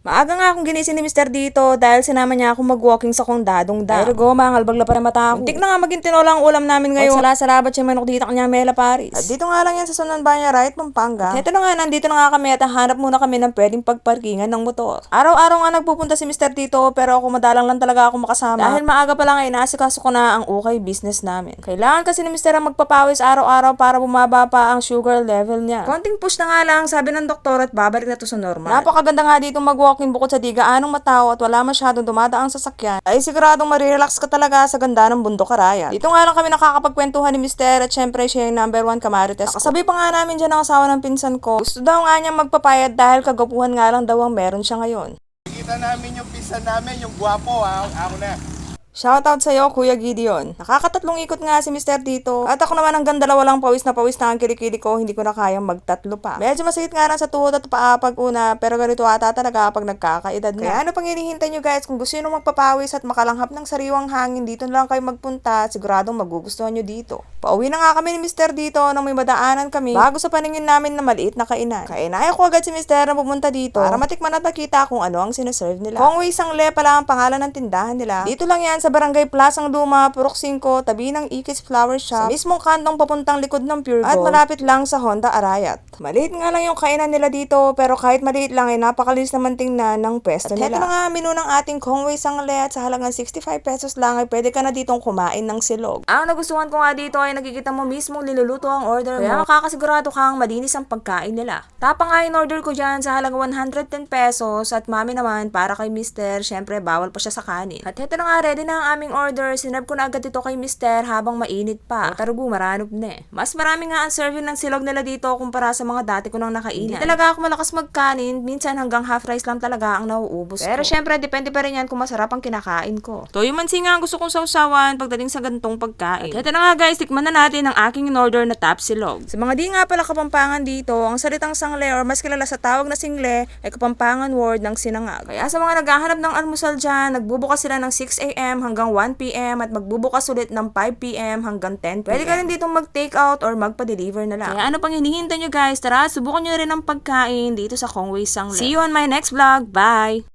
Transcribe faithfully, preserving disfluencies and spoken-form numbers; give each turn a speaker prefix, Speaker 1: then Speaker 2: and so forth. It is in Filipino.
Speaker 1: Maaga nga akong ginising ni mister dito dahil sinama niya ako mag-walking sa kondadong dam. Pero go, mangalbag la pa rin mata ako. Muntik na nga maging tinola ang ulam namin ngayon. Sala-salabat siya manok dito kanya Mela Paris. At dito nga lang yan sa Sunan Banya Right, Pampanga. At ito na nga, nandito na nga kami at hanap muna kami ng pwedeng pagparkingan ng motor. Araw-araw nga nagpupunta si mister dito pero ako madalang lang talaga ako makasama. Dahil maaga pa lang ay inaasikaso ko na ang ukay business namin. Kailangan kasi ni mister ang magpapawis araw-araw para bumaba pa ang sugar level niya. Konting push na nga lang, sabi ng doktor, at babalik na to sa normal. Napakaganda nga dito mag-walking bukod sa di gaanong matao at wala masyadong dumadaang sasakyan, ay siguradong marirelax ka talaga sa ganda ng bundok Arayat. Dito nga lang kami nakakapagkwentuhan ni mister at syempre siya yung number one kamarites ko. Kasabi pa nga namin dyan ang asawa ng pinsan ko. Gusto daw nga niyang magpapayat dahil kagapuhan nga lang daw ang meron siya ngayon.
Speaker 2: Kita namin yung pinsan namin, yung gwapo ha, ako na.
Speaker 1: Shoutout sa'yo, Kuya Gideon. Nakakatatlong ikot nga si mister dito. At ako naman hanggang dalawa lang pawis na pawis na ang kilikili ko, hindi ko na kayang magtatlo pa. Medyo masakit nga lang sa tuhod at paa pag una, pero ganito ata talaga pag nagkakaedad na. Kaya ano pang hinihintay nyo guys, kung gusto nyo magpapawis at makalanghap ng sariwang hangin, dito na lang kayo magpunta, siguradong magugustuhan nyo dito. Pauwi na nga kami ni mister dito nang may madaanan kami bago sa paningin namin na maliit na kainan. Kainaya ko agad si mister na pumunta dito para matikman at makita kung ano ang sineserve nila. Kongwei Sangle pala ang pangalan ng tindahan nila. Dito lang yan sa Barangay Plasang Luma, Purok five, tabi ng Ikis Flower Shop, sa mismong kantong papuntang likod ng Pure Gold, at malapit lang sa Honda Arayat. Maliit nga lang yung kainan nila dito, pero kahit maliit lang ay napakalinis naman tingnan ng pwesto nila. At heto na nga menu ng ating Kongwei Sangle at sa halagang sixty-five pesos lang ay pwede ka na ditong kumain ng silog. Ang nagustuhan ko nga dito ay nakikita mo mismong niluluto ang order mo. Kaya makakasigurado kang malinis ang pagkain nila. Tapa nga yung order ko dyan sa halagang one hundred ten pesos at mami naman para kay mister, syempre bawal pa siya sa kanin. At heto na nga, ready na ang aming order. Sinab ko na agad ito kay mister habang mainit pa. O tarugo, maranop na eh. Mas marami nga ang serving ng silog nila dito kumpara sa mga dati ko nang nakainan. Hindi talaga ako malakas magkanin. Minsan hanggang half rice lang talaga ang nauubos ko. Pero syempre, depende pa rin yan kung masarap ang kinakain ko. Toyo mansi nga ang gusto kong sausawan pagdating sa gantong pagkain. At heto na nga guys, tikman na natin ang aking in-order na top silog. Sa mga di nga pala Kapampangan dito, ang salitang sangle or mas kilala sa tawag na single ay Kapampangan word ng sinangag. Kaya sa mga naghahanap ng almusal dyan, nagbubukas sila ng six a.m. hanggang one p.m. at magbubukas ulit ng five p.m. hanggang ten p.m. Pwede ka rin ditong mag-take out or magpa-deliver na lang. Kaya ano pang hinihintay nyo guys? Tara, subukan nyo rin ang pagkain dito sa Kongwei Sangle. See you on my next vlog. Bye!